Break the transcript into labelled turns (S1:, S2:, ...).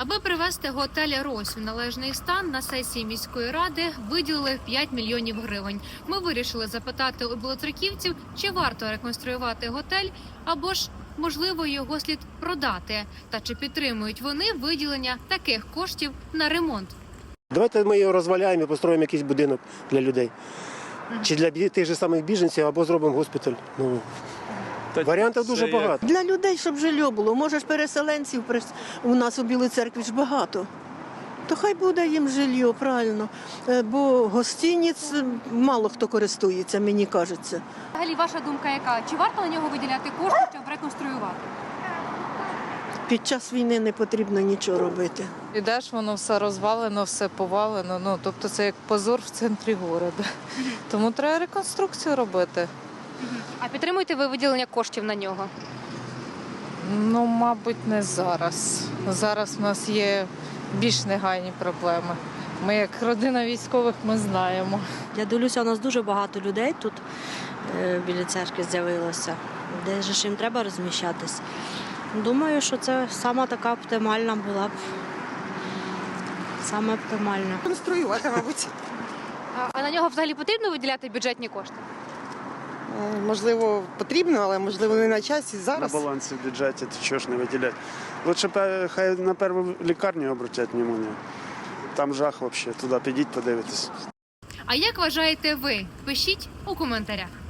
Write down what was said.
S1: Аби привести готель «Рось» в належний стан, на сесії міської ради виділили 5 мільйонів гривень. Ми вирішили запитати у білоцерківців, чи варто реконструювати готель, або ж, можливо, його слід продати. Та чи підтримують вони виділення таких коштів на ремонт.
S2: Давайте ми його розваляємо і построїмо якийсь будинок для людей. Чи для тих же самих біженців, або зробимо госпіталь. Варіантів дуже багато.
S3: Для людей, щоб жилье було. Може ж переселенців у нас у Білій Церкві ж багато. То хай буде їм жилье, правильно. Бо гостиниць мало хто користується, мені кажеться.
S1: Взагалі, ваша думка яка? Чи варто на нього виділяти кошти, щоб реконструювати?
S3: Під час війни не потрібно нічого робити.
S4: Ідеш, воно все розвалено, все повалено. Тобто це як позор в центрі міста. Тому треба реконструкцію робити.
S1: А підтримуєте ви виділення коштів на нього?
S4: Мабуть, не зараз. Зараз в нас є більш негайні проблеми. Ми, як родина військових, ми знаємо.
S5: Я дивлюся, у нас дуже багато людей тут біля церкви з'явилося, де ж їм треба розміщатись. Думаю, що це сама така оптимальна була б. Саме оптимальна.
S6: Конструювати, мабуть.
S1: А на нього взагалі потрібно виділяти бюджетні кошти?
S6: Можливо, потрібно, але можливо не на часі зараз.
S7: На балансі в бюджеті, то чого ж не виділяти. Лучше хай на першу лікарню обратять внимание. Там жах взагалі, туди підіть, подивитись.
S1: А як вважаєте ви? Пишіть у коментарях.